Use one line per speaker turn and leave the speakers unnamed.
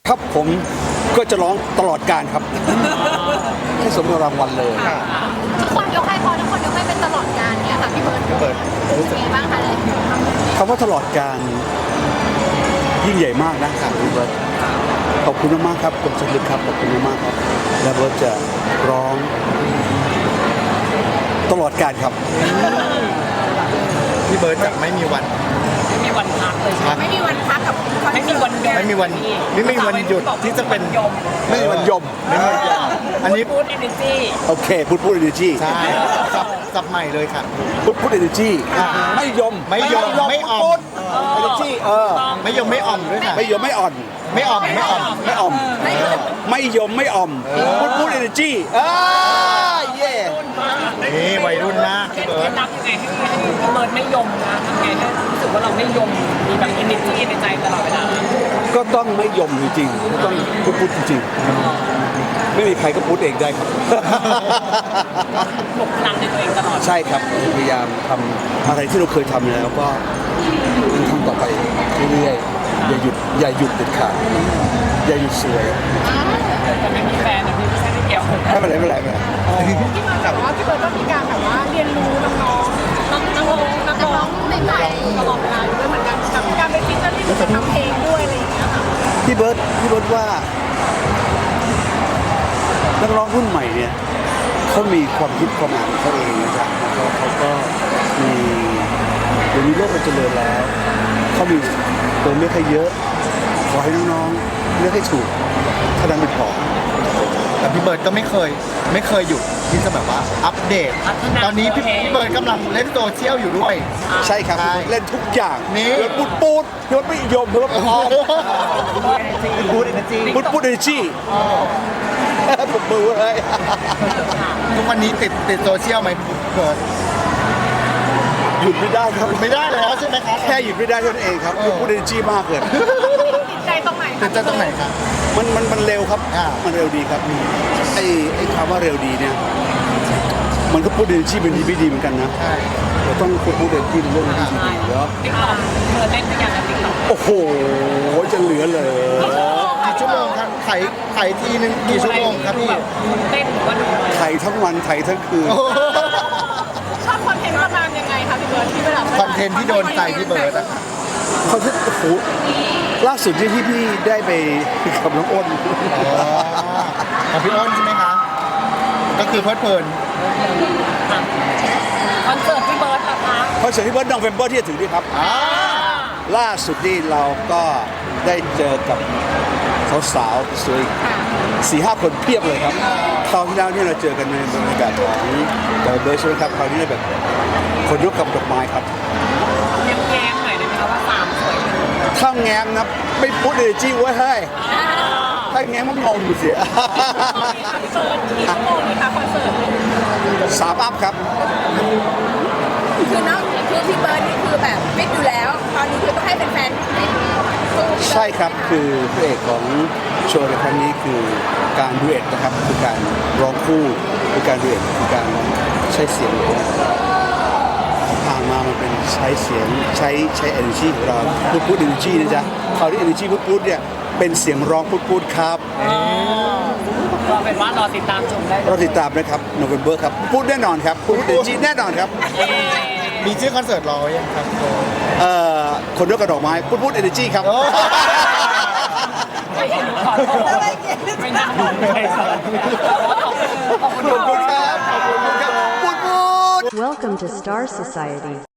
ครับผมก็จะร้องตลอดการครับให้สมกับรางวัลเลย
ทุกคนยกให้ทุกคนยกให้เป็นตลอดกาลเนี่ยค่ะพี่เบิร์ดรู้สึกไงบ้างคะเลย
คำว่าตลอดการยิ่งใหญ่มากนะครับพี่เบิร์ดขอบคุณมากครับกรมชลครับขอบคุณมากครับและเบิร์ดจะร้องตลอดการครับ
พี่เบิร์ดจะไม่มีวัน
พักเลยไม่มีวันพักกับ
ไม่มีวันหยุดที่จะเป็น
ไม่มีวันยม
อันนี้
พูด energy
โอเคพูด energy
ใช่สับใหม่เลยค่ะ
พูด energy ไม่ยม
ไม่อ่อม
energy
ไม่ยมไม่อ่อมด้วยค่ะ
ไม่ยมไม่อ่อน
ไม่อ่อม
ไม่อ่อมไม่ยมไม่อ่อมพูด energy เย่
นี่วัยรุ่นนะ
เคล็ดลับยังไงให้พี่เบิร์ดไม่ยมนะทำไงให้รู้สึกว่าเราไม่ยมมีแบบ energy ในใจตลอดเวลา
ก็ต้องไม่ยมจริงๆต้องพูดจริงๆไม่มีใครก็พูดเองได้ครับ
ปลุกพลังในตัวเองตลอด
ใช่ครับพยายามทำอะไรที่เราเคยทำแล้วก็ทำต่อไปเรื่อยๆอย่าหยุดเด็ดขาดอย่าหยุดสวย
แต่ไม่มีแฟนพี่ไม่ใช่ไม่เกี่ยว
ไม่เป็นไรที่
มาแบบว่าพี่เบิร์ดก็มีการแบบว่าเรียนรู้น้องใหม่ตลอดเวลาด้วยเหมือนกันกับการเป็นฟิชเชอร์ที่จะทำเพลงด้วยอะไรอย่างเงี้ยค่ะ
พี่เบิร์ดว่านักร้องรุ่นใหม่เนี่ยเขามีความคิดความอ่านของเขาเองนะครับเขาก็มีเดี๋ยวนี้โลกมันเจริญแล้วเขามีตัวเลือกให้เยอะขอให้น้องๆเลือกให้ถูกถ้าดังเป็นพอ
แต่พี่เบิร์ดก็ไม่เคยหยุดที่จะแบบว่าอัปเดตตอนนี้พี่เบิร์ดกำลังเล่นโซเชียลอยู่ด้วย
ใช่ครับเล่นทุกอย่าง
นี่
พูดพี่เบิร์ดไม่ยอมพี่เบิร์ดพอ
พูด energy
พูด energy ผมมือเลย
ทุกวันนี้ติดโซเชียลไหมเบิร์ด
หยุดไม่ได้ครับ
ไม่ได้แล้วใช่ไหมครับ
แค่หยุดไม่ได้เท่านั้นเองครับพูด energy มากเลย
ติดใจตรงไหน
ครับ
มันเร็วครับมันเร็วดีครับไอ้คำว่าเร็วดีเนี่ยมันก็พูด energy เป็นดีไม่ดีเหมือนกันนะเราต้องพูด energy ในเรื่องดีๆแล้ว
ติ๊กต็อกเล่นทุกอย่างในติ๊กต็อก
โอ้โหจะเหลือเลย
กี่ชั่วโมงครับไถทีนึงกี่ชั่วโมงครับพี่
เต้นว่าดู
ไถทั้งวันไถทั้งคืน
ชอบคอนเทนต์ประมาณยังไงคะพี่เบิร์ดที่เวลา
คอนเทนต์ที่โดนใจพี่เบิร์ดอะ
เขาที่โอ้โหล่าสุดที่พี่ได้ไปกับน้องอ้น
กับพี่อ้นใช่ไหมคะก็คือเพลิดเพลิน
คอนเสิร์ตพี่เบิร์ดนะคะ
คอนเสิร์ตพี่เบิร์ดNovemberที่จะถึงนี้ครับล่าสุดนี่เราก็ได้เจอกับสาวๆสวย4-5 คนเพียบเลยครับคราวที่แล้วเนี่ยเราเจอกันในบรรยากาศของเบิร์ดใช่ไหมครับคราวนี้แบบคนยกกับดอกไม้ครับ
แง้มหน่อยได้ไหมคะว่า3สวย
ถ้าแง้มนะไม่พูดเลยจี้ไว้ให้ถ้าแง้มมันงงอยู่เสีย
กี่ชั่วโมงนี่คะคอนเสิร์ต
3 อัพครับ
คือพี่เบิร์ดนี่คือแบบฟิตอยู่แล้วตอนนี้คือต้องให้เป็นแฟน
ใช่ครับคือพระเอกของโชว์ในครั้งนี้คือการดูเอทนะครับคือการร้องคู่คือการดูเอทคือการใช้เสียงผ่านมามันเป็นใช้เสียงใช้ energy ของเราพูด energy นะจ๊ะคราวนี้ energy พูดเนี่ยเป็นเสียงร้องพูดครับ
ก็เป็นว่ารอติดตามชมได้
รอติดตามนะครับ November ครับพูดแน่นอนครับพูด energy แน่นอนครับ
มีชื่อคอนเสิร์ตรอยังครับ
คนยกกระดอกไม้พูด energy ครับ
ไม่น่าบอกเลยขอบคุณครับ
ขอบคุณครับพูด
Welcome to Star Society